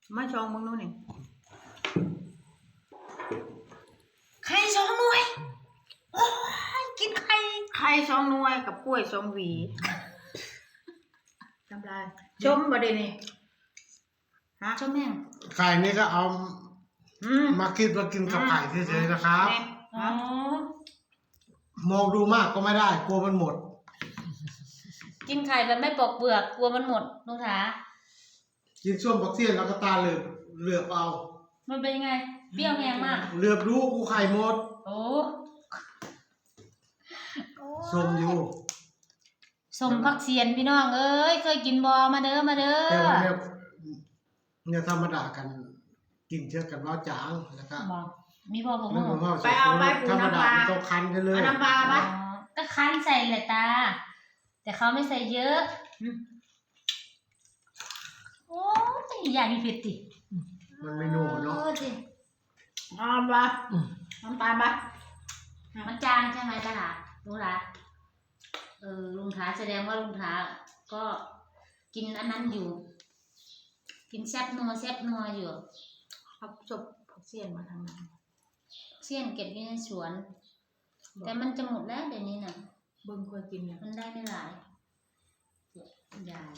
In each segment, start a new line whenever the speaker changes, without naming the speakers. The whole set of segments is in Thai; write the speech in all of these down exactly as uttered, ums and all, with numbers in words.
มาชองมึงนู่นนี่
ไข่สองหน่วยโอ้ยกินไข่
ไข่สองหน่วยกับกล้วยสองหวีทำลายชมบ่ได้นี่ฮะ
ชมแม่ง
ไข่นี่ก็เอามากินมากินกับไข่เฉยๆนะครับ
อ๋อ
มองดูมากก็ไม่ได้กลัวมันหมด
กินไข่แบบไม่ปอกเปลือกกลัวมันหมดลุงถา
กินส้มบักเทียนแล้วก็ตาเหลือบเหลือบเอา
มันเป็นยังไงเปรี้ยวแห้งมาก
เหลือบดูกูไข่หมด
โอ้
ส้มอยู่
สมพักเสียนพี่น้องเอ้ยเคยกินบอมาเด้อมาเด้อ
แต่ว่าเนี่ยเนี่ยธรรมดากันกินเชื่อกันว่าจางแล้วก็
มีพอผม
ไปเอาไปปูน้ำปลา
ต้องคั้นกันเลย
น้ำปลาปะ
ก็คั้นใส่เลยตาแต่เขาไม่ใส่เยอะโอ้ยอย่ามีเผ็ดดิ
มันไม่นัวเนาะ
น้ำปลาน้ำปลาปะ
มันจางใช่ไหมตาหลาลุงหลาเออลุงท้าแสดงว่าลุงท้าก็กินอันนั้นอยู่กินแซ่บนัวแซ่บนัวอยู่
เอาจบผักเสี้ยนมาทำไม
เสี้ยนเก็บไว้ในสวนแต่มันจะหมดแล้วเดี๋ยวนี้น่ะ
เบิ่งเคยกินเนี่ย
มันได้ไม่หลายยาย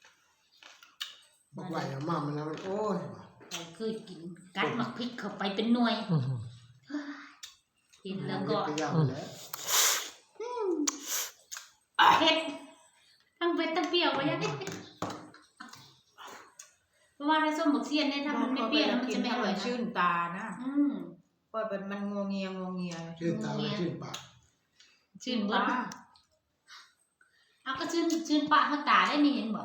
บอกไหลออกมามันแล้วโอ้ย
เราเคยกินกัดหมักพริกเข้าไปเป็นหน่วยกินแล้วก็เผ็ดทั้งเผ็ดทั้งเปรี้ยวไปยังเพราะว่าถ้าส้มบักเสี้ยนเนี่ยถ้ามันไม่เปรี้ยวมันจะไม่อร่อย
ชื่นตานะ
อืม
เพราะเป็นมันงงเงียงงเงีย
ชื่นตาชื่นปาก
ชื่นปากเอาก็ชื่นชื่นปากเขาตาได้นี่เห็นบ่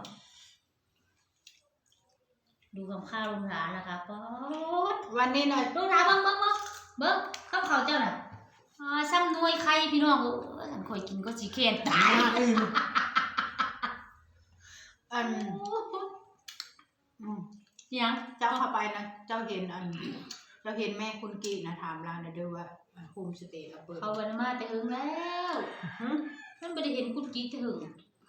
ดูกับข้าวลุงหลานนะคะป๊อด
วันนี้หน่อย
ลุงหลานเบิ้งเบิ้งเบิ้งเบิ้งข้าวเขาเจ้าน่ะอ่าซ้ำนวยไข่พี่น้องเออฉันคอยกินก็สีเขียนตาย
อัน
ยัง
เจ้าเข้าไปนะเจ้าเห็นอันเจ้าเห็นแม่คุณกีนะถามเรานะด้วยว่าโฮมสเตย์เราเปิด
เขาวันมาแต่หึงแล้วนั่นไม่ได้เห็นคุณกีแต่หึง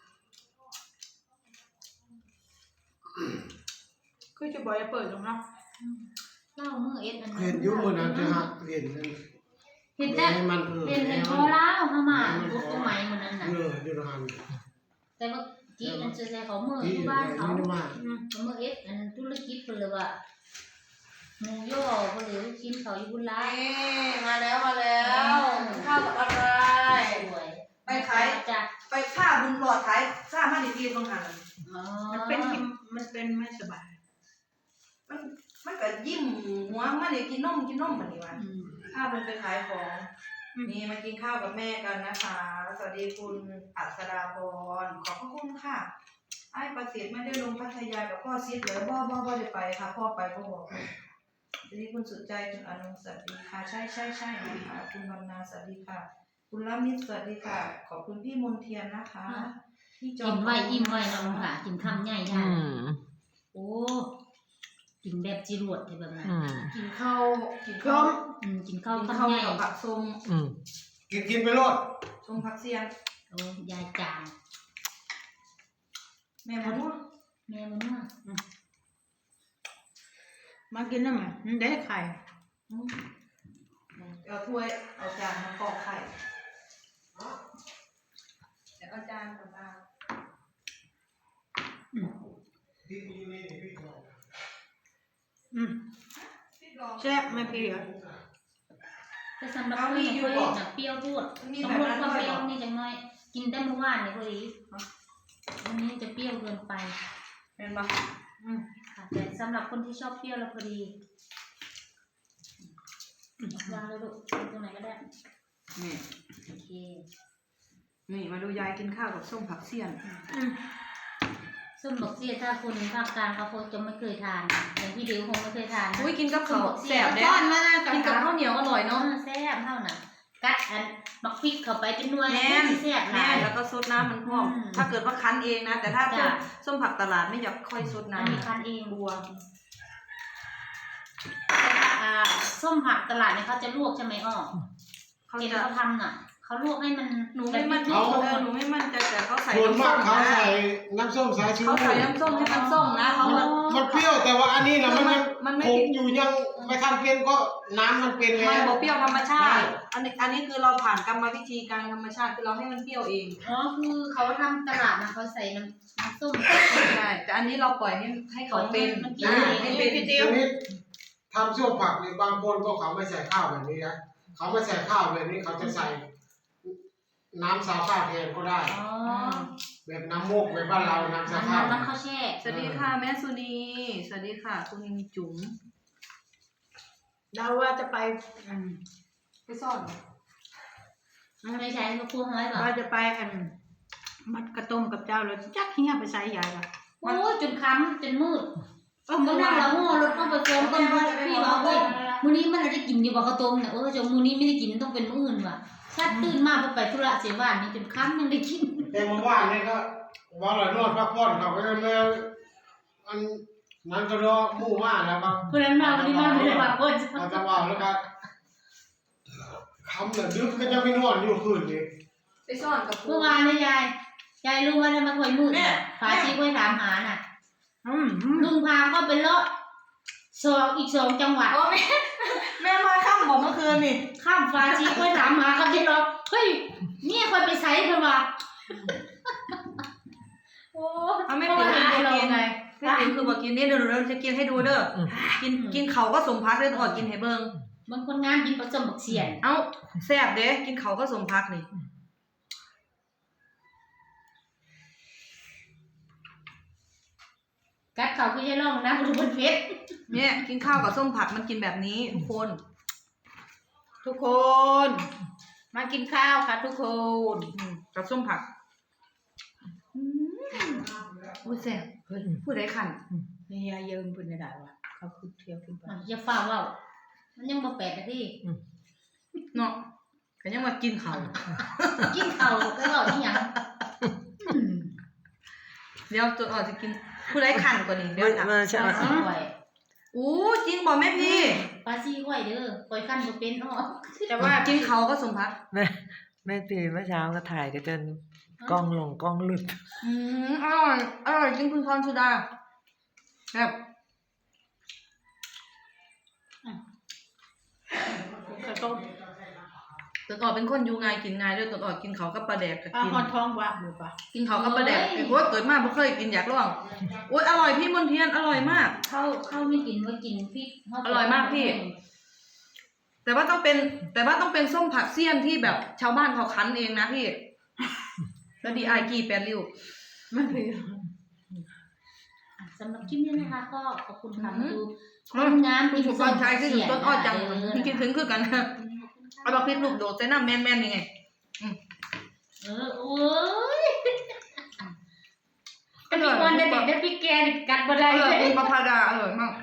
คือจะบอกจะเปิดตรงนั้น
เล่าเมื่อเอ็ดอัน
เห็นยุ่งมือนั้นจะหักเห็น
เห็นแต่เห็นเห็นพอเล่าเข้ามาบุกตรงไหนมันนั่นน่ะ
เอออยู่หัน
แต่ว่ากีมันจะใส่เขาเมื่อที่บ้านเขาเมื่อเอ็ดอันธุรกิจคนเลยว่าหมูย่อคนเลยกินเขาอยู่บุญร้าย
มาแล้วมาแล้วข้าวกับอะไรไปขายไปฆ่าบุญหลอดขายฆ่ามาดีดีตรงหัน
มันเป็นมันเป็นไม่สบาย
มันมันก็ยิ้มหัวมันเลยกินนมกินนมแบบนี้วะข้าวมันไปขายของนี่มากินข้าวกับแม่กันนะคะสวัสดีคุณอัศดาพรขอบพระคุณค่ะไอ้ประสิทธิ์ไม่ได้ลงพัทยากับพ่อซิดเลยบ่บ่บ่ได้ไปค่ะพ่อไปก็บอกสวัสดีคุณสุดใจคุณอนุสวัสดีค่ะใช่ใช่ใช่นะคะคุณบรรณาสวัสดีค่ะคุณละมิตรสวัสดีค่ะขอบคุณพี่มนเทียนนะคะ
พี่จอมกินไว้อิ่มไว้น้องค่ะกินคำใหญ่ใหญ่โอ้กินแบบจิรวดแบบนั้น
กินข้าวกินข้าว
กินข้าวคำใหญ่
กับผักส้ม
กินกินไปรอด
ส้มผักเสียน
โอ้ยายจาง
แม่มันว่า
แม่มันว่า
มากินน้ำมันได้ไข่
เอาถ้วยเอาจานมากรอกไข่เดี๋ยวเอาจานกับอา
อืมแซ่บไม่เปรี้ยว
แต่สำหรับคนที่เคยหนักเปรี้ยวพูดต้องลดความเปรี้ยวนี่จังน้อยกินได้เมื่อวานเลยพอดีวันนี้จะเปรี้ยวเกินไป
เป็นปะ
อืมค่ะแต่สำหรับคนที่ชอบเปรี้ยวแล้วพอดีวางเลยลูกตรงไหนก็ได้
นี่
โอเค
นี่มาดูยายกินข้าวกับส้มผักเสี้ยน
ส้มผักเสี้ยนถ้าคนภาคกลางเขาคงจะไม่เคยทานอย่างพี่เดียวคงไม่เคยทาน
อุ้ยกินกับข้าวแซ่บเด้กินกับข้าวเหนียวอร่อยเนาะ
แซ่บเท่าน่ะกัดอันบักพริกเข้าไปเป็นนวลแ
น่แซ่บแน่แล้วก็ซดน้ำมันพอกถ้าเกิดว่าคั้นเองนะแต่ถ้าเป็นส้มผักตลาดไม่อยากค่อยซดน้ำ
มีคั้นเองบัวส้มผักตลาดเนี่ยเขาจะลวกใช่ไหมอ้อเขาจะเขาทำน่ะเขาเขาลวกให้มัน
หนูไม่มั่นใจ
เขา
เออหนูไม่มั่นใจแต่เขาใส่
ส่วน
น้ำส้
มาก
ม
เขา
นะ
ใส่น้ำส้มสายชู
เขาใส่น้ำส้มให้มันส้มนะเขา
มันมันเปรี้ยวแต่ว่าอันนี้นะมันยัง
มันไม่
คงอยู่ยังไม่ทันเป็นก็น้ำมันเป็นแล้
มัน
ว
บอกเปรี้ยวธรรมชาติ อันนี้อันนี้คือเราผ่านกรรมวิธีการธรรมชาติคือเราให้มันเปรี้ยวเอง
อ๋อคือเขาทำตลาดนะเขาใส่น้ำน้ำส้ม
ใช่แต่อันนี้เราปล่อยให้ให้เขาเป็น
มันกิน
อ่า
เอง
ให้เป็น
ทีนี้ทำส้มผักในบางคนก็เขาไม่ใส่ข้าวแบบนี้นะเขาไม่ใส่ข้าวแบบนี้เขาจะใส่น้ำซาวข้าวแทนก็ได้
อ๋อ
แบบน้ำมูกแบบบ้านเราน้ำซาวข้าว
น้ำมันข้าวแช่
สวัสดีค่ะแม่สุนีสวัสดีค่ะคุณจุ๋ม
เราว่าจะไปอืม
ไปซ่อน
มันไม่ใช่ก็พูดน้อยป่ะ
ว่าจะไปอันมัดกระต้มกับเจ้าแล้วจักเฮียไปใส่ยายละ
โอ้ยจนค้ำจนมืด
เออ
ก็
เมื่อ
นั่
วาง น
เราโง่รถต้องไปเติมต้นพี่บอกเอ้ยมื้อนี้มันได้กินอยู่บ่ข้าวต้มน่ะเออจงมื้อนี้ไม่ได้กินต้องเป็นมื้ออื่นว่ะชัดตื่นมาพอไปธุระเสียบ้านนี่จนค้ำยังได้กิน
แต่เมื่อวานนี่ก็ว่าเรานวดพักผ่อนเขาก็เลยมาอันนั้นก็รอหมู่มาแล้วครับ
เพื่อนมาวันนี้มาไม่ได้ว่าเพิ่น
เราจะว่าแล้วก็คำเหลือดึกก็ยังไม่นอนอยู่คืนนี้
ไปซ่อนกับ
เมื่อวานนี่ยายยายรู้ว่าทำไมค่อยมืดน่ะฟ้าชีค่อยถามหาน่ะ
อืมอืม
ลุงพาก็เป็นเลาะสองอีกสองจังหวัด
โอ้แม่แม่มาค่ำบอกเมื่อคืนนี่
ข้ามฟ้าชีค่อยถามหาเขาที่เลาะเฮ้ยเนี่ยค่อยไปใช้เพิ่นว่าโอ้
เอาไม่
ก็
ติ๋ว
หา
คือ
เรา
กิน
ไง
แม่ติ๋วคือบอกกินนี่เดี๋ยวเราจะกินให้ดูเด้อกินกินเขาก็สมพักเด้ออดกินให้เบิ่ง
บางคนงานกินผสมบักเสียน
เอ้าแซ่บเด้กินเขาก็สมพักนี่
กัดเขาคือจะลองนะคุณเพชร
เนี่ยกินข้าวกับส้มผักมันกินแบบนี้ทุกคน
ทุกคน มากินข้าวค่ะทุกคน
อืมกับส้มผักอืมอุ้ยแซ่บเฮ้ยพูดได้ขัน
นี่ยายเยิมเพิ่นได้ว่ะเขาคือเที่ยวขึ้นไป
อย่าฝ่าเว่ามันยังบ่แปดนาที
เนาะก็ยังมากินเขา
กินข้าวก็เว้าอีหยัง
เดี๋ยวตัวอ่อนจะกินพูดได้ขันกว่านี้เดี๋ยวนะ
มาใช่ไหม
ปลาซีไข่
อู้จริงบอกแม่พี่
ปลาซีไข่เด้อปล่อยคั่นบ่เป็นอ้อ
แต่ว่า
กินเขาก็สมพัก
แม่แม่ตีเมื่อเช้าก็ถ่ายกันจนกล้องลงกล้องหลุด
อืมอร่อยอร่อยจริงคุณพรสุดาแบบ
กระต้ม
ตัวอ่อนเป็นคนอยู่ง่ายกินง่ายด้วยตัวอ่อนกินเขากับปลาแดกก็
อา
กิน
หอนท้องว่างหรือเปล่า
กินเขากับปลาแดกไอ้พวกเกิดมาไม่เคยกินอยากลองโอ๊ยอร่อยพี่มนเทียนอร่อยมาก
เข้าเข้าไม่กินว่ากินพริก
อร่อยมากพี่ แต่ว่าต้องเป็น แต่ว่าต้องเป็นส้มผักเสี้ยนที่แบบชาวบ้านเขาคั้นเองนะพี่ แล้วดีไอกีแปดริ้ว
ไม่เป็น
สำหรับคลิปนี้นะคะก็ขอบคุณค่ะ
อืม
ดูคนงาน
คุณสุกรชัยที่ถึงต้นอ้อจังมันกินถึงคือกันนะเอาดอกพริกลูกโดดใส่น้ำแม่นๆยังไง
เออโอ้ยแต่พี่วันเด็กๆได้พี่แกนี่กัดบ่
อ
ได้
ร่
เล
อย
ย
คุณประภาดาอร่อยมาก